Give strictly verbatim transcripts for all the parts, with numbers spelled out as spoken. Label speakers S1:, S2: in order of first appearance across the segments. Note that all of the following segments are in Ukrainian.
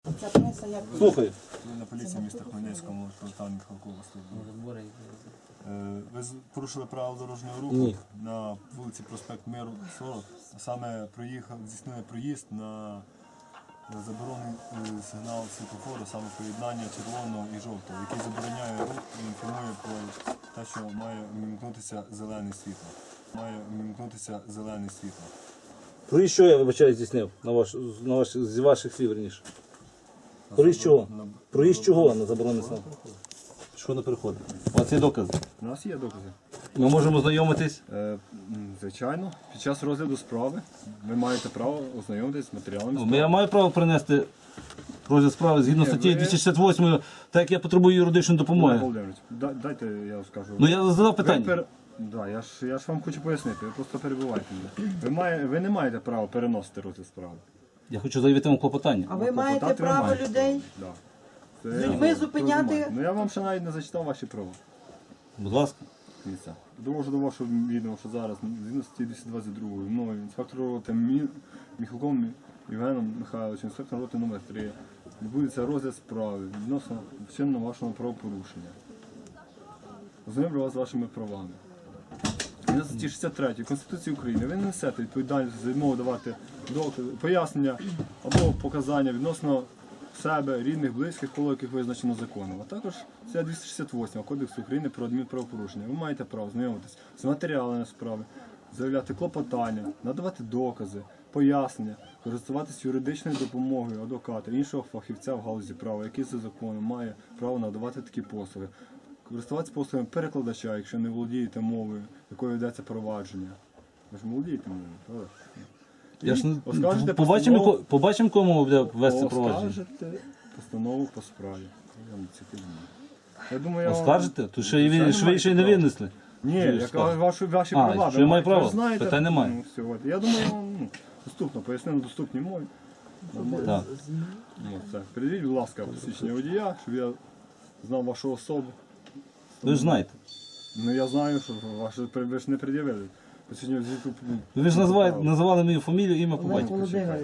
S1: Слухаю.
S2: На поліції міста Хмельницькому, Полтава Михалкова служба. Ви порушили правила дорожнього руху
S1: Ні.
S2: на вулиці Проспект Миру, сорок, а саме проїхав, здійснили проїзд на заборонений сигнал світлофору, саме поєднання червоного і жовтого, який забороняє рух і інформує про те, що має вмімкнутися зелене світло. Має вмімкнутися зелене світло.
S1: Проїзд що я, вибачаю, здійснив? На ваш, на ваш, з ваших слів, верніше. Проїзд чого? Проїзд чого на заборонений знак? Що не переходить? У вас є докази?
S2: У нас є докази.
S1: Ми можемо знайомитись?
S2: Е, звичайно, під час розгляду справи ви маєте право ознайомитися з матеріалами
S1: Ну,
S2: справи.
S1: Я маю право принести розгляд справи згідно
S2: Ні,
S1: статті
S2: ви-
S1: двісті шістдесят восьмої, так як я потребую юридичної
S2: Олег
S1: допомоги.
S2: Володимирович, да- дайте я скажу.
S1: Ну я задав
S2: Ви
S1: питання.
S2: пер- Да, я, ж, я ж вам хочу пояснити, ви просто перебувайте мене. Ви, має, ви не маєте права переносити розгляд справи.
S1: Я хочу заявити вам клопотання.
S3: А ви маєте
S2: Клопотати ви
S3: право
S2: маєте.
S3: людей
S2: Да. Це
S3: з
S2: я
S3: людьми
S2: вам
S3: зупиняти?
S2: розумію. Ну я вам ще навіть не зачитав ваші права.
S1: Будь ласка.
S2: Дивіться. Довожу до вашого відома, що зараз згідно статті двісті двадцять два мною інспектором роти Мі- Міхалком Євгеном Михайловичем, інспектор роти номер три, відбудеться розгляд справи відносно вчиненого вашого правопорушення. Ознайомлю вас з вашими правами. На статті шістдесят третій Конституції України ви не несете відповідальність за відмову давати докази, пояснення або показання відносно себе, рідних, близьких, коло яких визначено законом. А також це двісті шістдесят восьма Кодексу України про адмінправопорушення. Ви маєте право знайомитися з матеріалами справи, заявляти клопотання, надавати докази, пояснення, користуватись юридичною допомогою адвоката, іншого фахівця в галузі права, який за законом має право надавати такі послуги. Користуватися послугами перекладача, якщо не володієте мовою, якою ведеться провадження. Ви ж володієте мовою, правда?
S1: Я ж не-
S2: І оскаржите
S1: побачимо,
S2: постанову-
S1: яко- побачимо, кому буде вести провадження.
S2: Оскаржите постанову по справі. Я вам це кажу. Я думаю, я вам-
S1: Оскаржите? То ще й ви
S2: Звичайно,
S1: ще,
S2: маєте
S1: ще й не
S2: право.
S1: винесли.
S2: Ні,
S1: Що
S2: я
S1: ви
S2: кажу
S1: скажете?
S2: ваші, ваші
S1: А,
S2: права.
S1: що я маю
S2: ви
S1: право?
S2: знаєте,
S1: Питань немає.
S2: ну, все, от. Я думаю, я вам ну, доступно, поясню на доступній мові. Нормально.
S1: Так.
S2: Ну, все. Передивіть, будь ласка, посвідчення водія, щоб я знав вашу особу.
S1: Ви ж знаєте.
S2: Ну я знаю, що ваше ви ж не пред'явили. Посвідчення звіту.
S1: Ви ж називаєте, називали мою фамілію, ім'я по
S3: Олег
S1: батьку.
S3: Володимирович.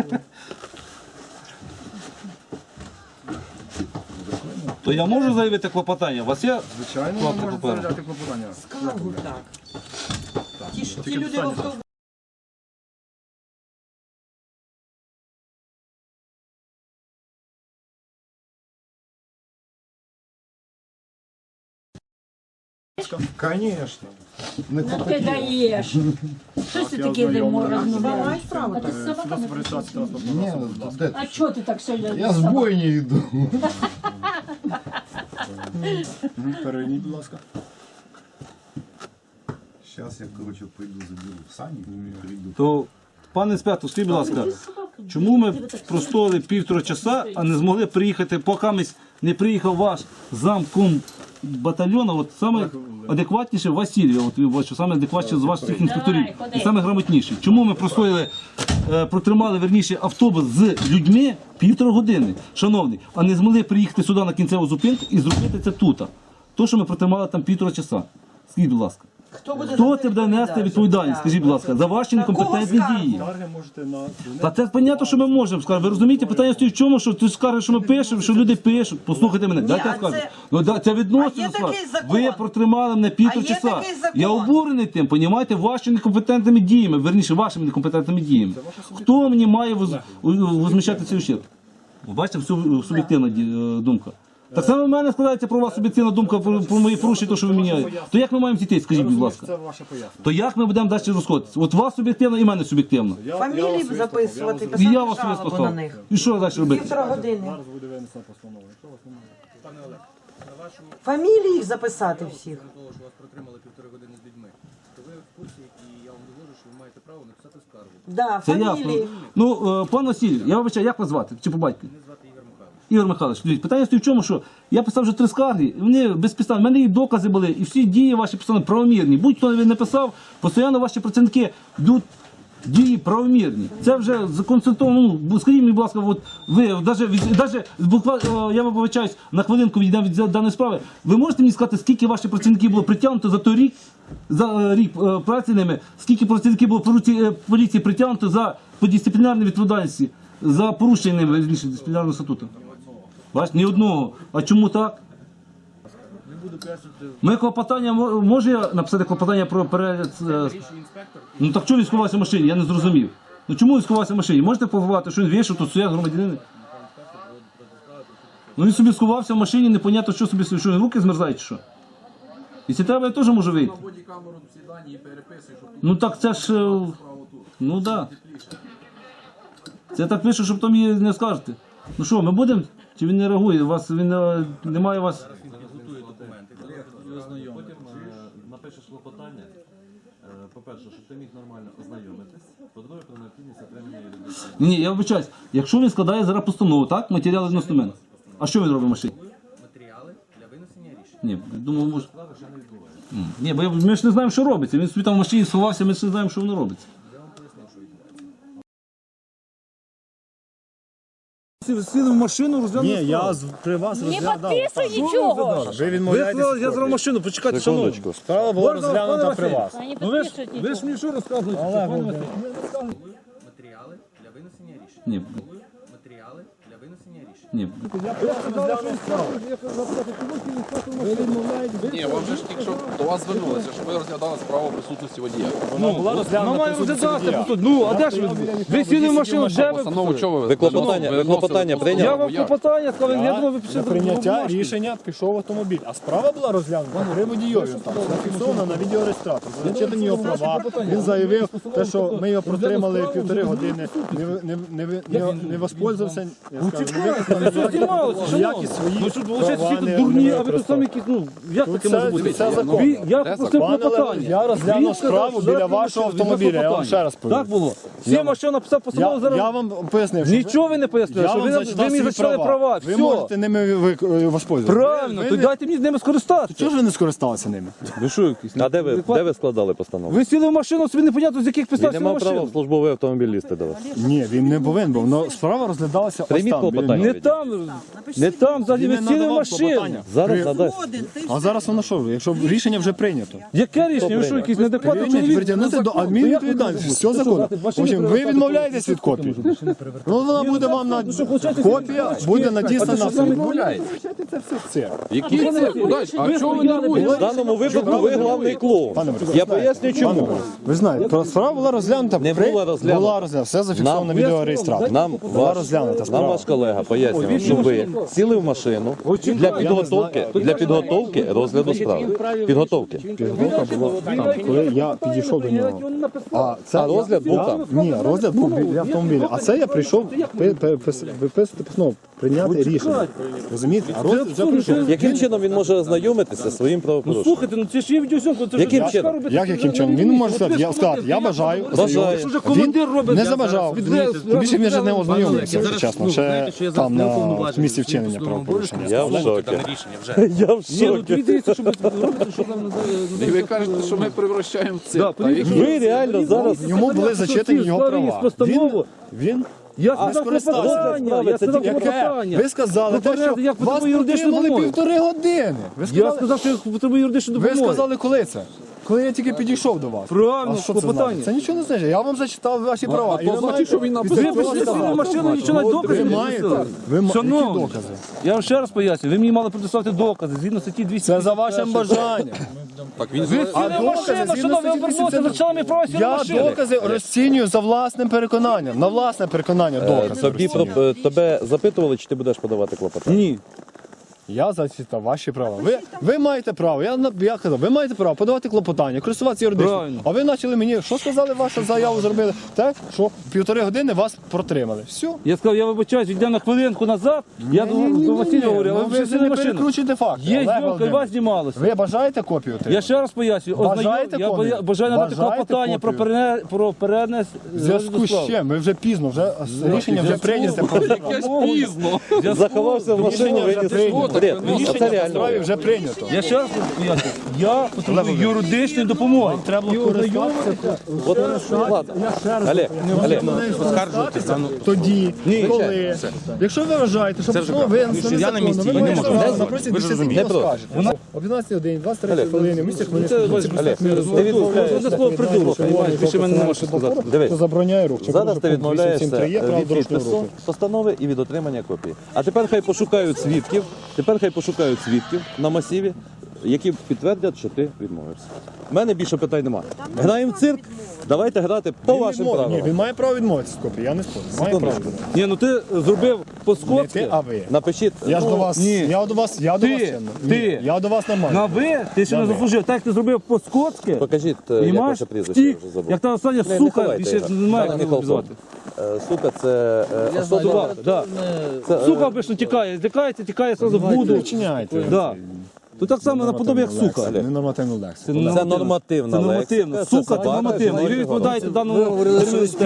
S1: То я можу заявити клопотання? У вас є?
S2: Звичайно,
S1: Клопоту
S2: ви можете
S1: паперу.
S2: заявляти клопотання.
S3: Скаргу так. Ті, ж- ті
S2: Тільки
S3: люди в
S2: питання.
S3: автобусі.
S4: Конечно.
S5: Ну ти даєш. Що це таке не можна
S3: Хіба
S5: розмовляти?
S3: мають право
S5: А ти
S3: так?
S5: з собаками
S2: Свідоцтво реєстрації транспортного
S4: Не,
S2: засобу, будь ласка.
S4: де
S5: А
S4: ти?
S5: чого ти так сьогодні?
S4: Я с бойни иду.
S2: Мгм, Перейдіть, будь ласка.
S4: Сейчас я, короче, пойду заберу сани и приду.
S1: То, пане інспектор, скажіть, будь ласка, чому ми простояли півтора часа, а не змогли приїхати, поки ми не приїхав ваш замком батальйону, от саме адекватніше Васильєв, от ви бачите, саме адекватніше з ваших всіх інспекторів,
S5: Давай, ходи.
S1: і саме грамотніший. Чому ми простояли, е, протримали, верніше, автобус з людьми півтора години, шановний, а не змогли приїхати сюди на кінцеву зупинку і зробити це тут? То, що ми протримали там півтора часа. Скажіть, будь ласка.
S3: Хто буде
S1: Хто
S3: за
S1: це буде нести відповідальність, скажіть, будь ласка, за ваші
S3: На кого
S1: некомпетентні
S3: скаргу?
S1: дії?
S2: Скарги можете на...
S1: Та це понятно, що ми можемо скаржити. Ви розумієте, питання стоїть в чому, що ти скажеш, що ми пишемо, що люди пишуть. Послухайте мене, дайте я
S3: а
S1: скажу.
S3: це-
S1: Ну, да, це
S3: А
S1: відносно
S3: є
S1: скажу.
S3: такий закон?
S1: Ви протримали мене півтора
S3: А є
S1: часа.
S3: такий закон?
S1: Я обурений тим, понімаєте, вашими некомпетентними діями, верніше, вашими некомпетентними діями. Хто мені має воз- у- возміщати цей ущерб? Ви бачите, всю суб'єктивна ді- е, думка. Так само в мене складається про вас суб'єктивна думка про, про мої порушення, то, що ви міняєте. То як ми маємо дійти, скажіть, будь
S2: Розумію,
S1: ласка?
S2: Це ваше пояснення.
S1: То як ми будемо далі розходитися? От вас суб'єктивно і в мене суб'єктивно.
S2: Я- я
S3: Фамілії
S2: вас
S3: б
S2: вислухав,
S3: записувати,
S2: я вас
S1: І я
S3: писати
S1: вас
S3: жалобу на
S1: вислухав.
S3: них.
S1: І що далі робити?
S3: Півтора години.
S2: Зараз буде винесена постанова. Якщо вас немає.
S6: Пане Олег, на вашу
S3: Фамілії їх записати всіх.
S6: на того, що вас протримали півтори години з людьми, то ви в курсі, і я вам довожу, що ви маєте право написати скаргу.
S3: Да,
S1: Це
S3: фамілії.
S1: ясно. Ну, е, пан Василь, я вибачаю, як вас звати? Чи по батьку?
S6: Мене звати Ігор Михайлович.
S1: Ігор Михайлович, дивіться, питання стоїть в чому, що я писав вже три скарги, і вони безпідставні. У мене і докази були, і всі дії ваші писали правомірні. Будь-хто не написав, постійно ваші працівники йдуть дії правомірні. Це вже законцентровано. Ну, скажіть мені, будь ласка, от ви навіть, навіть буквально, я вибачаюсь, на хвилинку відійдемо від даної справи. Ви можете мені сказати, скільки ваших працівників було притягнуто за той рік, за е, рік е, праці ними, скільки працівників було поліції, е, поліції притягнуто за по дисциплінарній відповідальності? за порушення ними вірніше, дисциплінарного статуту. Бачите, ні одного. А чому так? Ми клопотання, мо- може я написати клопотання про перегляд? е,
S6: Вищий інспектор,
S1: Ну так чого він сховався в машині? Я не зрозумів. Ну чому він сховався в машині? Можете побувати, що він вийшов, тут стоять громадянини? Ну він собі сховався в машині, непонятно, що собі, що він руки змерзають, чи що? Якщо треба, я теж можу вийти.
S7: Бодікамеру всі дані і переписуєш, щоб
S1: Ну так це ж. е, Ну так. Да. Це так пише, щоб там її не скажете. Ну що, ми будемо? Чи він не реагує? У вас він е, немає у вас.
S8: Потім е, напишеш клопотання. Е, По-перше, щоб ти міг нормально ознайомитись. По-друге, про необхідність отримання юридичної.
S1: Ні, я вибачаюсь. Якщо він складає зараз постанову, так? Матеріали відносно мене. А що він робить в машині?
S6: матеріали для винесення рішень.
S1: Ні, думаю, може.
S8: Справи ще не відбувається.
S1: М, Ні, бо я- ми ж не знаємо, що робиться. Він собі там в машині сховався, ми ж не знаємо, що воно робиться. Сіли в машину, розглянули.
S2: Ні, я з- при вас
S5: Не
S2: розглядав.
S5: підписуй нічого.
S2: Ви відмовляєтесь.
S1: Я зараз машину, почекайте, шановні.
S2: Справа була
S1: Можна,
S2: розглянута
S1: пане
S2: при
S1: Василь?
S2: вас.
S5: Вони
S1: Ну ви ж,
S5: підпишуть
S1: ви
S5: нічого.
S1: ж мені що розказуєте? що, пане Василь?
S6: Матеріали для винесення рішень.
S1: Ні,
S6: Матеріали для винесення рішень.
S1: ні.
S7: ні, вам же ж тільки що до вас звернулися, щоб ви розглядали справу присутності водія.
S2: Вона була розглянута
S1: має
S2: при суді
S1: розглядати,
S2: суддя.
S1: тут. Ну, а де ж ви? Ви сіли в машину, де ви?
S7: Постанову чого ви?
S9: Ви клопотання, ви клопотання прийняли?
S1: Я вам клопотання сказав, я думав, ви
S2: Для
S1: пишете
S2: прийняття
S1: бумажку.
S2: рішення пішов автомобіль. А справа була розглянута при водійові. Там зафіксована на відеореєстратор. Зачитані його права. Він заявив, те, що ми його протримали півтори години, не, ви- не, не, ви- не, не воспользувався, я скажу, не використав
S1: Знімалося,
S2: ніякі
S1: шановні. Ну
S2: свої
S1: що, виходить,
S2: права
S1: всі
S2: не-
S1: тут дурні,
S2: не
S1: а ви тут
S2: використав.
S1: самі якісь, ну, як
S2: Тут
S1: таке може
S2: це-
S1: бути?
S2: це закон.
S1: Ви- Я попросив
S2: Пане
S1: клопотання.
S2: Леонід, я розглянув
S1: Він сказав,
S2: справу
S1: що
S2: біля
S1: зараз
S2: вашого
S1: прийшли,
S2: автомобіля,
S1: він
S2: я вам
S1: клопотання.
S2: ще раз повім.
S1: Так було. Всі машина написав
S2: Я,
S1: постанову зараз.
S2: я вам пояснив, що
S1: Нічого ви не пояснили,
S2: я
S1: що
S2: вам
S1: ви,
S2: зачитав
S1: ви мені
S2: свої
S1: зачитали права.
S2: Ви
S1: Все.
S2: можете ними ви- ви- воспользуватися.
S1: Правильно,
S2: Ви
S1: то
S2: не-
S1: дайте мені з ними скористатися.
S2: Чого ж ви не скористалися ними?
S1: Ви що якісь?
S9: А де ви, де ви складали постанову?
S1: Ви сіли в машину, собі непонятно, з яких
S9: Він
S1: підстав
S9: не
S1: сіли в
S9: мав права в
S1: машину.
S9: службовий автомобіль лізти до вас.
S2: Ні, він не повинен був. Но справа розглядалася ось
S9: Прийміть
S2: там. біля
S9: клопотання.
S2: нього.
S1: Не там, не там, взагалі,
S2: Він
S1: ви
S2: не
S1: сіли в
S2: надавав
S1: машину.
S2: клопотання.
S9: Зараз надасть.
S2: А зараз воно що? Якщо рішення вже прийнято.
S1: Яке рішення? Ви що, якийсь неадекватний
S2: Прийнято,
S1: чоловік?
S2: притягнути до адмінвідповідальності. Все законно. В общем, ви відмовляєтесь від копії. Ну вона буде вам на копія буде надіслана. Це все цирк.
S7: Які це? Куди? А чого ви нервуєте?
S9: В даному випадку ви главний клоун. Я поясню чому.
S2: Ви знаєте, про- справа була розглянута.
S9: Не
S2: при-
S9: була розглянута.
S2: Була розглянута. Все зафіксовано на
S9: Нам-
S2: відеореєстраторі.
S9: Нам
S2: була
S9: ваш,
S2: розглянута
S9: нам
S2: справа.
S9: ваш колега пояснював, що ви сіли в машину для підготовки, для підготовки розгляду справи. Підготовки.
S2: Підготовка була там, коли я підійшов до нього. А це
S9: А розгляд був
S2: я-
S9: там?
S2: Ні, розгляд був біля автомобіля. А це я прийшов пи- пи- пис- виписати постанову, прийняти рішення. Розумієте? А розгляд вже прийшов.
S9: Яким чином він може ознайомитися зі своїм
S1: Ну
S9: правопорушенням?
S1: слухайте, ну це ж є відеозйомка. це ж
S9: Яким
S1: я
S9: чином?
S1: робити.
S2: Як яким чином? Він може сказати, я сказати, я бажаю.
S9: Бажаю.
S1: Якщо вже командир робить,
S2: Не забажав. Тим більше він вже не ознайомився, якщо чесно. Ще
S6: Знаєте, що я зараз
S2: там
S6: не
S2: на
S6: уповноважений
S2: місці
S6: в
S2: вчинення
S6: судовому
S2: правопорушення.
S9: Я в шокі.
S6: Дане рішення вже.
S9: Я в
S1: Ні, ну
S9: шокі.
S1: тобі дивіться, що ви робите, що там
S7: І ви кажете, що ми превращаємо в
S1: Да,
S7: цирк. Та які-
S9: Ви реально зараз
S2: Йому були зачитані його права.
S1: Постанову.
S2: Він
S1: Я сказав
S2: скористався.
S1: клопотання, я сказав
S2: яке?
S1: клопотання.
S2: Ви сказали, те, що
S1: Як
S2: вас
S1: потребує юридичної
S2: протримали
S1: допомоги.
S2: півтори години. Ви
S1: Я
S2: сказали,
S1: сказав, що я потребую юридичної
S2: ви
S1: допомоги.
S2: сказали, коли це? Коли я тільки підійшов до вас.
S1: Правильно,
S2: А що це
S1: клопотання.
S2: значить? Це нічого не значить. Я вам зачитав ваші права.
S7: а
S2: І
S7: то
S2: ви
S7: значить,
S2: маєте
S7: що він написав.
S2: після
S1: Ви
S2: цього
S1: прийшли
S2: сказати.
S1: в машину, нічого навіть докази
S2: Ви
S1: не
S2: маєте.
S1: написали.
S2: Ви ма-
S1: Шановні,
S2: які докази?
S1: Я вам ще раз поясню, ви мені мали предоставити докази згідно статті двісті.
S2: Це за вашим бажанням.
S7: Так він
S1: Ви
S7: зараз-
S1: сіли в
S2: докази
S1: машину,
S2: згідно
S1: що ви
S2: статті
S1: обернулися,
S2: двісті
S1: зачали мені право сіли в
S2: Я
S1: машину.
S2: докази розцінюю за власним переконанням. На власне переконання докази.
S9: тобі
S2: розцінюю.
S9: про- тебе запитували, чи ти будеш подавати клопотання?
S1: Ні.
S2: Я зачитав ваші права. Ви, ви маєте право, я, на- я казав, ви маєте право подавати клопотання, користуватися юридичним.
S1: Правильно.
S2: А ви почали мені, що сказали, вашу заяву зробили? Так, що півтори години вас протримали. Все.
S1: Я сказав, я вибачаюсь, йдемо на хвилинку назад. Я до, до Василя говорю, а
S2: Ну,
S1: ви
S2: ви
S1: вже
S2: вже
S1: сіли в
S2: не
S1: машину.
S2: перекручуйте факти.
S1: Є
S2: Олег
S1: зйомка, і
S2: Володимирович.
S1: вас знімалося.
S2: Ви бажаєте копію отримати?
S1: Я ще раз пояснюю.
S2: Бажаєте
S1: Ознайом- я
S2: копію?
S1: боя- бажаю надати
S2: Бажаєте
S1: клопотання про
S2: копію?
S1: перене- про перенес
S2: В зв'язку з чим? Ви вже пізно, вже рішення вже прийнято.
S7: Якесь пізно.
S9: Заховався в машину,
S2: Рішення вже
S9: виніс.
S2: прийнято.
S9: Бред.
S2: Рішення
S9: Оце
S2: по
S9: реально.
S2: справі вже прийнято.
S1: Я ще раз поясню. Я потребую юридичної допомоги.
S2: Треба було користуватися.
S9: От, ладно. Олег, Олег,
S2: Тоді, коли. Якщо ви вважаєте, що постанова винесена незаконно, ви можете запросити
S9: не
S2: десять
S9: про.
S2: скажете. О п'ятнадцятій годині, двадцять три
S9: Олег,
S2: хвилини, в місті Хмельницькому.
S1: Олег,
S9: Олег, ти відмовляєшся.
S1: Це слово придурок, розумієш, більше мене нема що сказати.
S9: Дивись,
S2: Хто забороняє рух? Чи
S9: зараз
S2: порушує
S9: ти
S2: пункт
S9: відмовляєшся
S2: вісімсот сім три є правил
S9: від
S2: дорожнього
S9: підпису
S2: руху?
S9: постанови і від отримання копії. А тепер хай пошукають свідків, тепер хай пошукають свідків на масиві, які підтвердять, що ти відмовився. У мене більше питань немає. Граємо в цирк, давайте грати по
S2: Він
S9: вашим
S2: відмовив. Ні,
S9: правилам.
S2: він має право відмовитися з копії, я не спорю. Має право.
S9: Секундочку.
S1: Ні, ну ти зробив
S2: Не
S1: по-скотськи.
S2: ти, а ви.
S9: Напишіть.
S2: Я ж
S9: ну,
S2: до вас,
S1: ні.
S2: я до вас, я до
S1: Ти,
S2: вас чемно.
S1: ти.
S2: Ні, я до вас нормально.
S1: На ви, ти ще
S2: На
S1: не
S2: ви.
S1: заслужив. Так як ти зробив по-скотськи,
S9: Покажіть, е, як
S1: понімаєш,
S9: ваше прізвище,
S1: Ті,
S9: я вже забув.
S1: як та остання
S9: Не, не
S1: сука,
S9: ховайте
S1: більше
S9: його.
S1: немає
S9: Так,
S1: як
S9: Михайло.
S1: звати.
S9: Е, Сука, це е, особа.
S1: Да.
S9: Це, е,
S1: Сука обично тікає, злякається, тікає сразу в буду.
S2: Не вчиняйте.
S1: Да. Тут так само наподобі, як сука.
S2: Не нормативну лексику.
S1: Це
S9: Це нормативна
S1: Це нормативно.
S9: лексика, це
S1: Сука, це
S9: собака,
S1: нормативно. І ви відповідаєте даному терміну.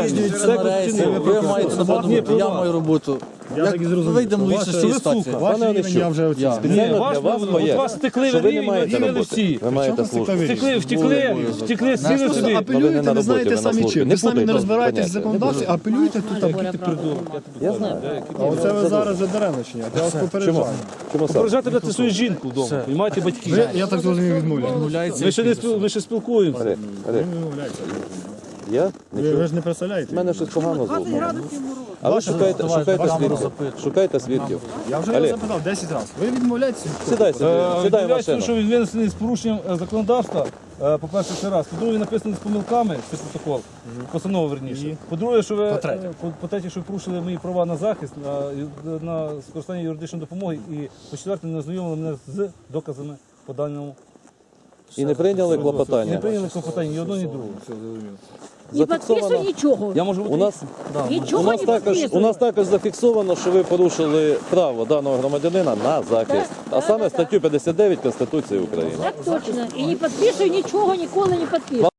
S6: Ви маєте нападати, я маю роботу.
S2: Я так і зрозумів.
S6: Вийдемо
S2: що
S6: лише з
S2: ваше-
S6: цієї
S1: ви
S6: ситуації.
S1: сука.
S2: Ваш
S9: Пане
S2: рівень
S9: Онищук,
S2: я вже
S6: Я.
S2: оцінив.
S9: Спеціально
S1: Ні, ваш
S9: для вас
S1: от
S9: моє,
S1: вас стекли
S9: що ви не
S1: рівень,
S9: маєте
S1: оцінили
S9: роботи.
S1: всі.
S9: Ви маєте
S2: Чому
S9: службу.
S2: стеклові?
S1: Втекли, втекли, втекли, сіли
S2: Просто
S1: собі.
S9: ви не
S2: апелюєте,
S9: на
S2: не знаєте
S9: роботі, ви на
S2: самі
S9: службі.
S2: чим.
S9: Не
S2: Ви самі не
S9: путайте
S2: розбираєтесь в
S9: поняття.
S2: законодавстві, а апелюєте тут.
S1: Який ти придурок.
S6: Я знаю.
S2: А оце ви зараз вже даремно чиняєте. Я вас
S9: Чому?
S2: попереджаю.
S9: Чому саме?
S1: Поражати брати свою жінку вдома, розумієте, батьків.
S2: Ви, я так зрозумів, відмовляєте.
S6: Відмовляється.
S1: Ми ще не спіл- ми ще спілкуємося.
S9: Олег,
S2: Ви
S9: Олег,
S2: відмовляєте.
S9: я
S2: Ви,
S9: нічого.
S2: ви ж не представляєте.
S9: У мене щось погано з вухом. А ви шукаєте, шукаєте свідків. Шукаєте свідків.
S2: Я вже
S9: Олег.
S2: його запитав десять разів. Ви відмовляєтеся?
S9: Сідай собі,
S1: Е,
S9: сідай в
S1: Відмовляється,
S9: машину.
S1: що він винесений з порушенням е, законодавства, е, по-перше, це раз. По-друге, він написаний з помилками, цей протокол, постанова верніше. По-друге, що ви,
S2: По-третє.
S1: е, по- по-третє, що ви порушили мої права на захист, на, на скористання юридичної допомоги, і по-четверте, не ознайомили мене з доказами по даному.
S9: І не прийняли
S1: Не
S9: клопотання.
S1: прийняли клопотання ні одного, ні другого.
S5: Не підписуй нічого.
S1: Я можу бути...
S9: У нас, у
S5: Нічого
S9: нас
S5: не
S9: також, у
S5: підписуй.
S9: нас також зафіксовано, що ви порушили право даного громадянина на захист, а саме статтю п'ятдесят дев'ять Конституції України.
S5: Так точно. І не підписуй нічого, ніколи не підписуй.